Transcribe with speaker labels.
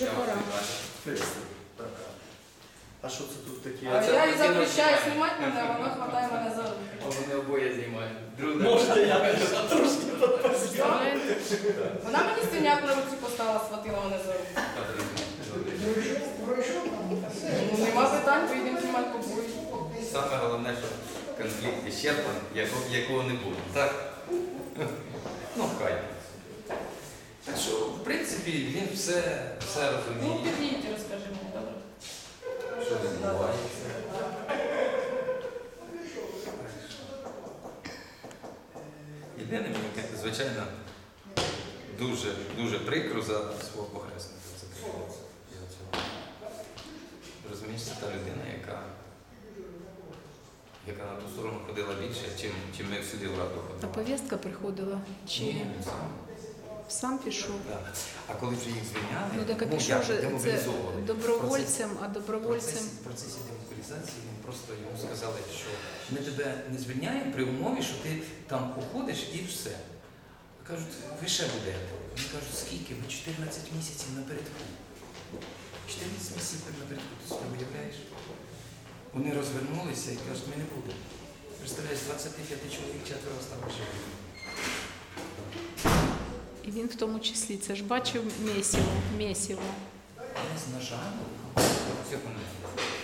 Speaker 1: Вже пора.
Speaker 2: Так. А що це тут таке?
Speaker 1: А я їй запрещаю знімати мене, вона хватає мене за руки.
Speaker 3: Вони обоє знімають.
Speaker 2: Можете я трошки підпозняв?
Speaker 1: Вона мені стільняк на руці поставила, схватила мене за руки. Ну, нема питань, поїдемо знімати побої.
Speaker 3: Саме головне, що конфлікт іщерпан, якого не буде. Так? Ну, хай. Так що, в принципі, він все
Speaker 1: Ну,
Speaker 3: розуміє.
Speaker 1: під'їдьте, розкажи мені, добре?
Speaker 3: Що відбувається. Єдине, мені, звичайно, дуже прикро за свого похресника. Це прикро. Розумієш, це та людина, яка на ту сторону ходила більше, чим ми всюди в раду
Speaker 4: А
Speaker 3: ходили.
Speaker 4: повістка приходила? Чи
Speaker 3: Ні, він сам.
Speaker 4: сам пішов?
Speaker 3: Да. А коли вже їх звільняли,
Speaker 4: Ну так а пішов
Speaker 3: як,
Speaker 4: вже це
Speaker 3: демобілізовували.
Speaker 4: добровольцем, а
Speaker 3: В
Speaker 4: добровольцем...
Speaker 3: процесі демобілізації він просто йому сказали, що ми тебе не звільняємо при умові, що ти там уходиш і все. Кажуть, ви ще будете. Вони кажуть, скільки? Ми 14 місяців напередку. 14 місяців напередку, ти собі уявляєш? Вони розвернулися і кажуть, ми не будемо. Представляєш, з 25 чоловік 4 стало живими.
Speaker 4: І він в тому числі, це ж бачив месиво.
Speaker 3: Десь, на жаль, все помилки.